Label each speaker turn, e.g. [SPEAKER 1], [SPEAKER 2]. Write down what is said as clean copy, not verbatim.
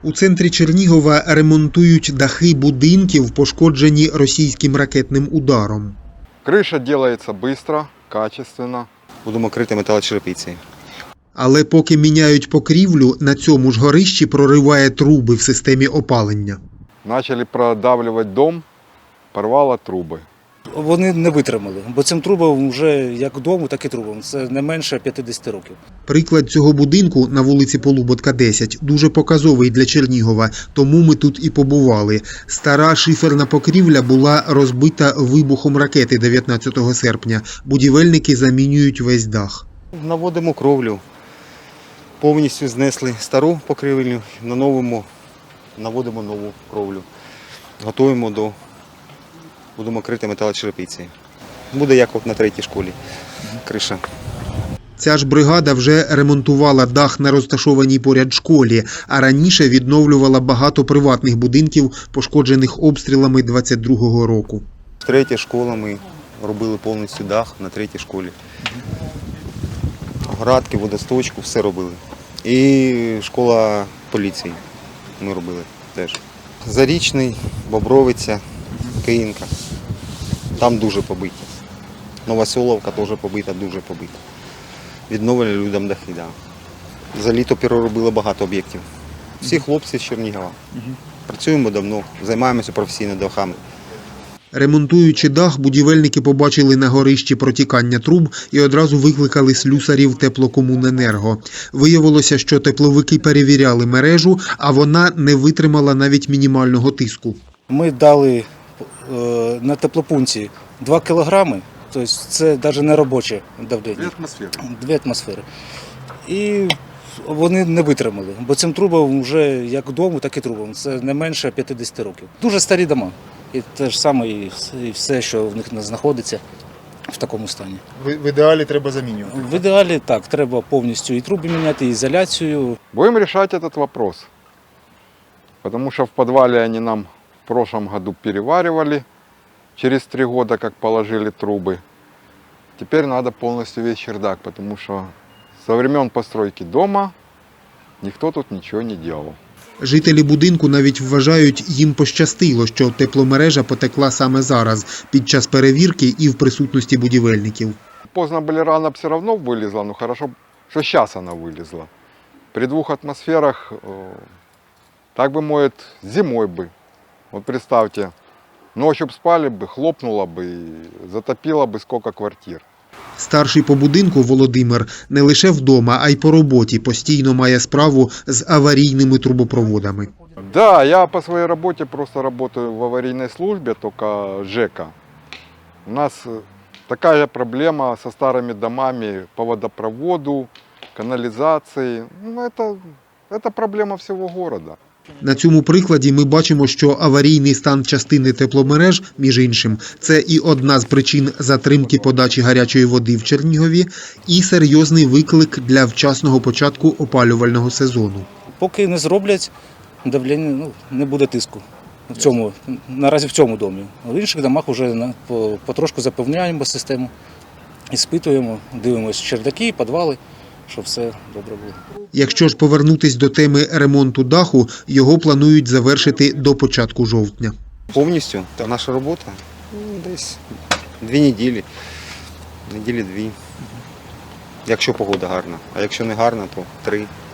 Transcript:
[SPEAKER 1] У центрі Чернігова ремонтують дахи будинків, пошкоджені російським ракетним ударом.
[SPEAKER 2] Криша робиться швидко, качественно.
[SPEAKER 3] Будемо крити металочерепицею.
[SPEAKER 1] Але поки міняють покрівлю, на цьому ж горищі прориває труби в системі опалення.
[SPEAKER 2] Почали продавлювати дом, порвало труби.
[SPEAKER 4] Вони не витримали, бо цим трубам вже як дому, так і трубам. Це не менше 50 років.
[SPEAKER 1] Приклад цього будинку на вулиці Полуботка, 10 дуже показовий для Чернігова, тому ми тут і побували. Стара шиферна покрівля була розбита вибухом ракети 19 серпня. Будівельники замінюють весь дах.
[SPEAKER 3] Наводимо кровлю. Повністю знесли стару покрівлю, на новому наводимо нову кровлю. Готуємо до... Будемо крити металочерепицею. Буде як от на третій школі криша.
[SPEAKER 1] Ця ж бригада вже ремонтувала дах на розташованій поряд школі, а раніше відновлювала багато приватних будинків, пошкоджених обстрілами 22-го року.
[SPEAKER 3] Третя школа, ми робили повністю дах на третій школі. Градки, водосточку, все робили. І школа поліції ми робили теж. Зарічний, Бобровиця, Київка. Там дуже побиті. Новоселовка теж побита, дуже побита. Відновили людям дахи. Да. За літо переробили багато об'єктів. Всі хлопці з Чернігова. Працюємо давно, займаємося професійно дахами.
[SPEAKER 1] Ремонтуючи дах, будівельники побачили на горищі протікання труб і одразу викликали слюсарів Теплокомуненерго. Виявилося, що тепловики перевіряли мережу, а вона не витримала навіть мінімального тиску.
[SPEAKER 4] Ми дали на теплопункті 2 кілограми, тобто це навіть не робоче давлення. 2 атмосфери. І вони не витримали, бо цим трубам вже як дому, так і трубам. Це не менше 50 років. Дуже старі дома. І те ж саме, і все, що в них знаходиться в такому стані.
[SPEAKER 5] В ідеалі треба замінювати?
[SPEAKER 4] В ідеалі так, треба повністю і труби міняти, і ізоляцію.
[SPEAKER 2] Будем решать этот вопрос, потому что в подвале они нам в прошлом году переваривали, через 3 года как положили трубы. Теперь надо полностью весь чердак, потому что со времен постройки дома никто тут ничего не делал.
[SPEAKER 1] Жителі будинку навіть вважають, їм пощастило, що тепломережа потекла саме зараз, під час перевірки і в присутності будівельників.
[SPEAKER 2] Поздно были, рано все равно вылезла, но хорошо, что сейчас она вылезла. При 2 атмосферах, так бы, может, зимой бы. Вот представьте, ночью бы спали бы, хлопнуло бы и затопило бы сколько квартир.
[SPEAKER 1] Старший по будинку Володимир не лише вдома, а й по роботі постійно має справу з аварійними трубопроводами.
[SPEAKER 2] Да, я по своей работе просто работаю в аварийной службе, только ЖЭКа. У нас такая же проблема со старыми домами по водопроводу, канализации. Ну, это проблема всего города.
[SPEAKER 1] На цьому прикладі ми бачимо, що аварійний стан частини тепломереж, між іншим, це і одна з причин затримки подачі гарячої води в Чернігові, і серйозний виклик для вчасного початку опалювального сезону.
[SPEAKER 4] Поки не зроблять, давлення не буде тиску. Наразі в цьому домі. В інших домах вже потрошку запевняємо систему, іспитуємо, дивимося чердаки, підвали, щоб все добре було.
[SPEAKER 1] Якщо ж повернутись до теми ремонту даху, його планують завершити до початку жовтня.
[SPEAKER 3] Повністю наша робота десь 2 неділі, неділі 2. Якщо погода гарна, а якщо не гарна, то 3.